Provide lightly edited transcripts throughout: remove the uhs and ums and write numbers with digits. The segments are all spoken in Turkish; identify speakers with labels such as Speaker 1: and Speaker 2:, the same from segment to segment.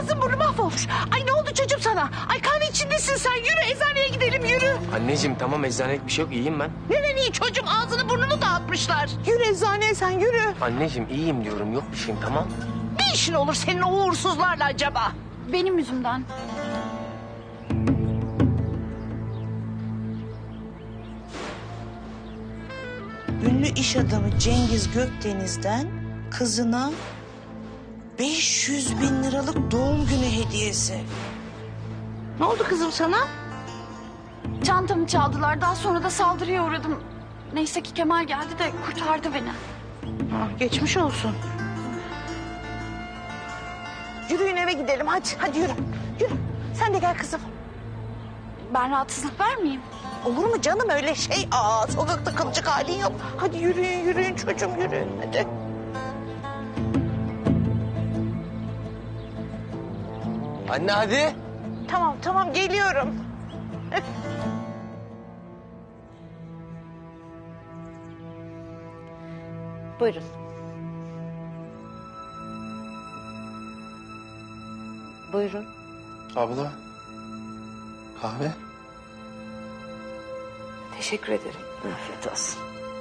Speaker 1: ağzın burnu mahvolmuş. Ay ne oldu çocuğum sana? Ay kan içindesin sen. Yürü eczaneye gidelim yürü.
Speaker 2: Anneciğim tamam eczanelik bir şey yok iyiyim ben.
Speaker 1: Neden iyi çocuğum ağzını burnunu dağıtmışlar. Yürü eczaneye sen yürü.
Speaker 2: Anneciğim iyiyim diyorum yok bir şeyim tamam.
Speaker 1: Ne işin olur senin o uğursuzlarla acaba?
Speaker 3: Benim yüzümden.
Speaker 4: Ünlü iş adamı Cengiz Gökdeniz'den kızına 500 bin liralık doğum günü hediyesi.
Speaker 1: Ne oldu kızım sana?
Speaker 3: Çantamı çaldılar. Daha sonra da saldırıya uğradım. Neyse ki Kemal geldi de kurtardı beni.
Speaker 1: Ha, geçmiş olsun. Yürüyün eve gidelim hadi. Hadi yürü. Yürü. Sen de gel kızım.
Speaker 3: Ben rahatsızlık vermeyeyim.
Speaker 1: Olur mu canım öyle şey? Aa, sokakta kalacak halin yok. Hadi yürüyün yürüyün çocuğum yürüyün hadi.
Speaker 2: Anne hadi.
Speaker 1: Tamam tamam geliyorum. Buyurun. Buyurun.
Speaker 5: Abla, kahve.
Speaker 1: Teşekkür ederim. Afiyet olsun.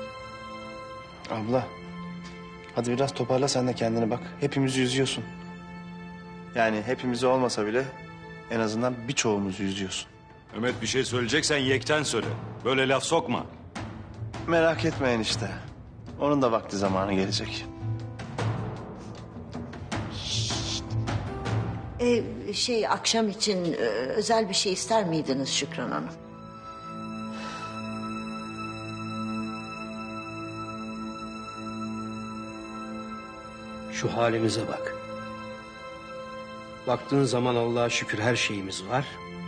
Speaker 5: Abla, hadi biraz toparla sen de kendini bak. Hepimizi üzüyorsun. Yani hepimizi olmasa bile en azından birçoğumuzu üzüyorsun.
Speaker 6: Mehmet bir şey söyleyeceksen yekten söyle. Böyle laf sokma.
Speaker 5: Merak etmeyin işte. Onun da vakti zamanı gelecek.
Speaker 7: Akşam için özel bir şey ister miydiniz Şükran Hanım?
Speaker 8: Şu halimize bak. Baktığın zaman Allah'a şükür her şeyimiz var.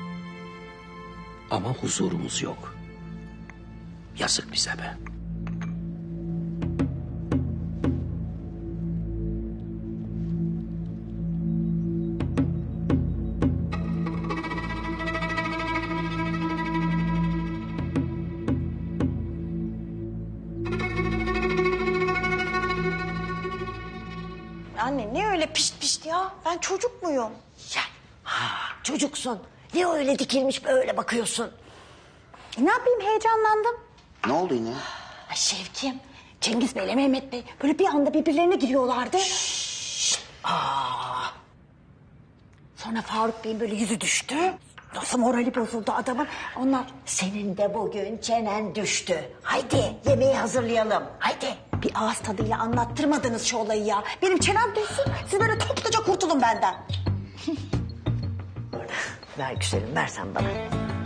Speaker 8: Ama huzurumuz yok. Yazık bize be.
Speaker 4: Anne ne öyle pişt pişt ya? Ben çocuk muyum?
Speaker 7: Çocuksun. Ne öyle dikilmiş böyle bakıyorsun?
Speaker 4: Ne yapayım heyecanlandım.
Speaker 9: Ne oldu yine?
Speaker 4: Ay Şevkim, Cengiz Bey'le Mehmet Bey böyle bir anda birbirlerine giriyorlardı. Sonra Faruk Bey'in böyle yüzü düştü. Nasıl morali bozuldu adamın. Onlar
Speaker 7: Senin de bugün çenen düştü. Haydi yemeği hazırlayalım. Haydi.
Speaker 4: bir ağız tadıyla anlattırmadınız şu olayı ya. Benim çenem düşsün, siz böyle topluca kurtulun benden.
Speaker 7: Ver güzelim versen bana.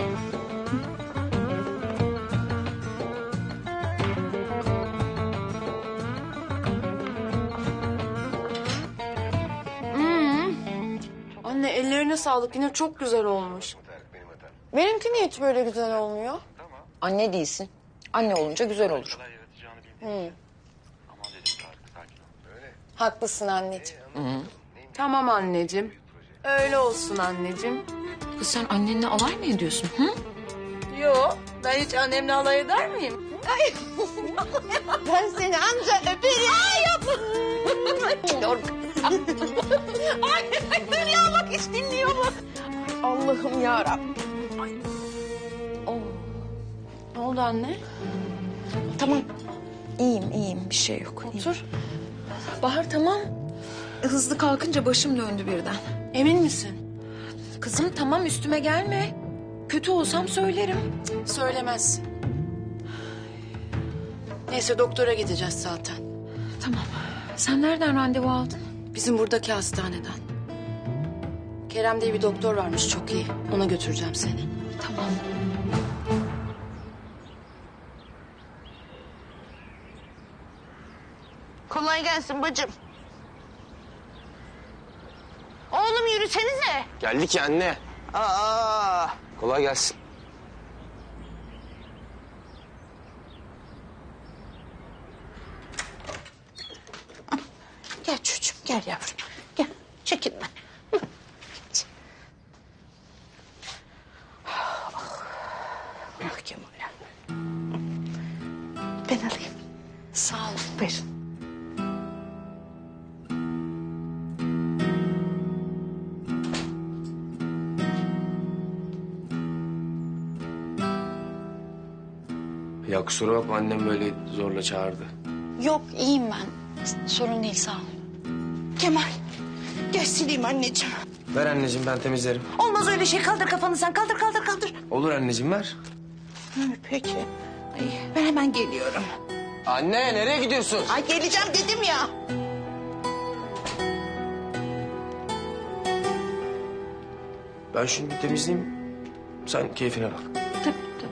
Speaker 10: Anne ellerine sağlık yine çok güzel olmuş. Benimki niye hiç böyle güzel olmuyor?
Speaker 11: Anne değilsin. Anne olunca güzel olur.
Speaker 10: Haklısın anneciğim. Tamam anneciğim. Öyle olsun anneciğim.
Speaker 11: Kız sen annenle alay mı ediyorsun? Hı?
Speaker 10: Yo ben hiç annemle alay eder miyim? Ay. Ben seni anca öperim. Ay yapma. Ay dur ya bak hiç dinliyor mu? Allah'ım yarabbim. Ay. Oh. Ne oldu anne?
Speaker 11: Tamam. İyiyim. Bir şey yok.
Speaker 10: Otur.
Speaker 11: Bahar tamam. Hızlı kalkınca başım döndü birden.
Speaker 10: Emin misin?
Speaker 11: Kızım tamam üstüme gelme. Kötü olsam söylerim.
Speaker 10: Söylemezsin. Neyse doktora gideceğiz zaten.
Speaker 11: Tamam. Sen nereden randevu aldın?
Speaker 10: Bizim buradaki hastaneden. Kerem diye bir doktor varmış çok iyi. Ona götüreceğim seni.
Speaker 11: Tamam.
Speaker 1: Kolay gelsin bacım. Oğlum yürüsenize.
Speaker 2: Geldik ya anne.
Speaker 1: Aa.
Speaker 2: Kolay gelsin.
Speaker 1: Gel çocuğum gel yavrum. Gel çekinme. Hı. Ah Kemal. Ben alayım.
Speaker 10: Sağ ol.
Speaker 1: Buyurun.
Speaker 2: Ya kusura bakma annem böyle zorla çağırdı.
Speaker 3: Yok iyiyim ben. Sorun değil sağ ol.
Speaker 1: Kemal gel sileyim anneciğim.
Speaker 2: Ver anneciğim ben temizlerim.
Speaker 1: Olmaz öyle şey, kaldır kafanı sen, kaldır.
Speaker 2: Olur anneciğim ver.
Speaker 1: Peki. Ay, ben hemen geliyorum.
Speaker 2: Anne nereye gidiyorsun?
Speaker 1: Ay geleceğim dedim ya.
Speaker 2: Ben şunu bir temizleyeyim. Sen keyfine bak.
Speaker 3: Tabii tabii.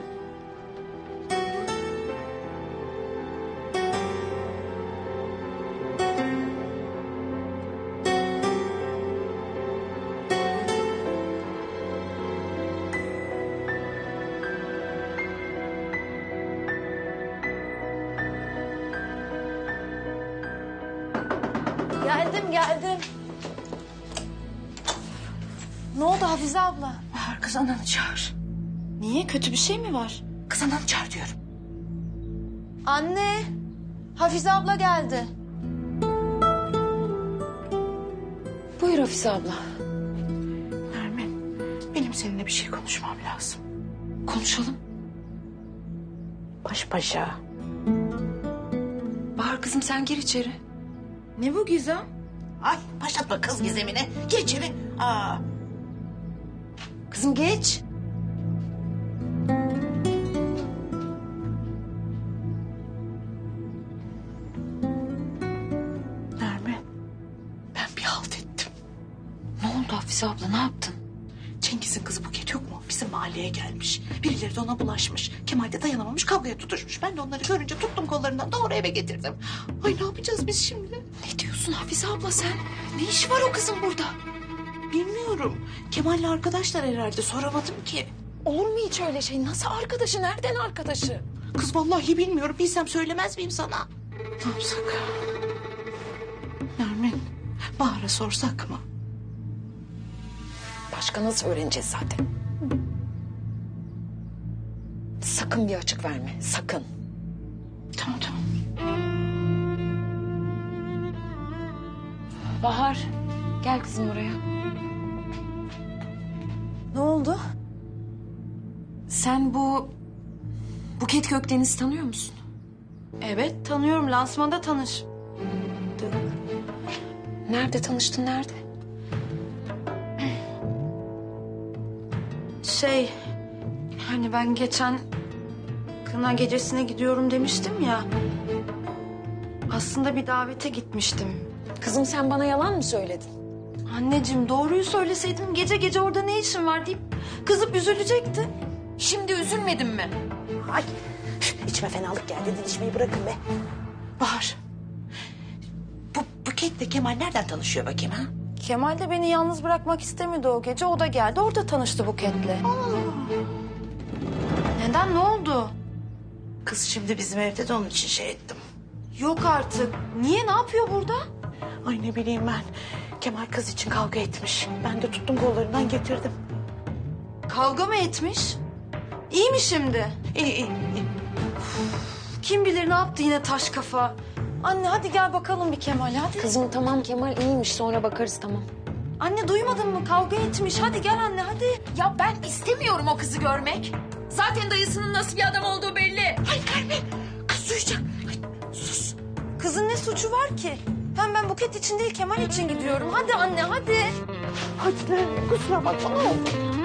Speaker 11: Geldim. Ne oldu Hafize abla?
Speaker 1: Bahar kız ananı çağır.
Speaker 11: Niye? Kötü bir şey mi var?
Speaker 1: Kız ananı çağır diyorum.
Speaker 11: Anne, Hafize abla geldi. Buyur Hafize abla.
Speaker 1: Nermin, benim seninle bir şey konuşmam lazım.
Speaker 11: Konuşalım.
Speaker 1: Baş başa.
Speaker 11: Bahar kızım sen gir içeri. Ne bu Gizem?
Speaker 1: Ay başlatma kız gizemine. Gir içeri. Aa.
Speaker 11: Kızım geç.
Speaker 1: Nermin, ben bir halt ettim.
Speaker 11: Ne oldu Hafize abla ne yaptın?
Speaker 1: Cengiz'in kızı Buket yok mu? Bizim mahalleye gelmiş. Birileri de ona bulaşmış. Kemal de dayanamamış, kavgaya tutuşmuş. Ben de onları görünce tuttum kollarından doğru eve getirdim. Ay ne yapacağız biz şimdi?
Speaker 11: Ne diyorsun Hafize abla sen? Ne işi var o kızın burada?
Speaker 1: Bilmiyorum. Kemal'le arkadaşlar herhalde, soramadım ki.
Speaker 11: Olur mu hiç öyle şey? Nasıl arkadaşı? Nereden arkadaşı?
Speaker 1: Kız vallahi bilmiyorum. Bilsem söylemez miyim sana? Ne yapsak? Nermin, Bahar'a sorsak mı?
Speaker 11: Başka nasıl öğreneceğiz zaten? Sakın bir açık verme. Sakın.
Speaker 1: Tamam.
Speaker 11: Bahar, gel kızım buraya. Ne oldu? Sen bu Buket Gökdeniz'i tanıyor musun?
Speaker 10: Evet tanıyorum, lansmanda tanış.
Speaker 11: Nerede tanıştın, nerede?
Speaker 10: Hani ben geçen kına gecesine gidiyorum demiştim ya. Aslında bir davete gitmiştim.
Speaker 11: Kızım sen bana yalan mı söyledin?
Speaker 10: Anneciğim doğruyu söyleseydim gece gece orada ne işin var deyip kızıp üzülecekti.
Speaker 11: Şimdi üzülmedin mi?
Speaker 1: Ay içime fenalık geldi. Didişmeyi bırakın be. Bahar. Bu Buket'le Kemal nereden tanışıyor bakayım ha?
Speaker 10: Kemal de beni yalnız bırakmak istemedi o gece. O da geldi, orada tanıştı Buket'le. Neden, ne oldu?
Speaker 1: Kız şimdi bizim evde de onun için şey ettim.
Speaker 10: Yok artık. Niye, ne yapıyor burada?
Speaker 1: Ay ne bileyim ben. Kemal kız için kavga etmiş. Ben de tuttum kollarından getirdim.
Speaker 10: Kavga mı etmiş? İyi mi şimdi?
Speaker 1: İyi.
Speaker 10: Kim bilir ne yaptı yine taş kafa. Anne hadi gel bakalım bir Kemal'e hadi.
Speaker 11: Kızım tamam Kemal iyiymiş sonra bakarız tamam.
Speaker 10: Anne duymadın mı, kavga etmiş. Hadi gel anne hadi.
Speaker 11: Ya ben istemiyorum o kızı görmek. Zaten dayısının nasıl bir adam olduğu belli.
Speaker 1: Ay Nermin. Kız duyacak. Ay, sus.
Speaker 10: Kızın ne suçu var ki? Hem ben Buket için değil Kemal için gidiyorum. Hadi anne hadi.
Speaker 1: Hadi Nermin kusura bakma ne oldu?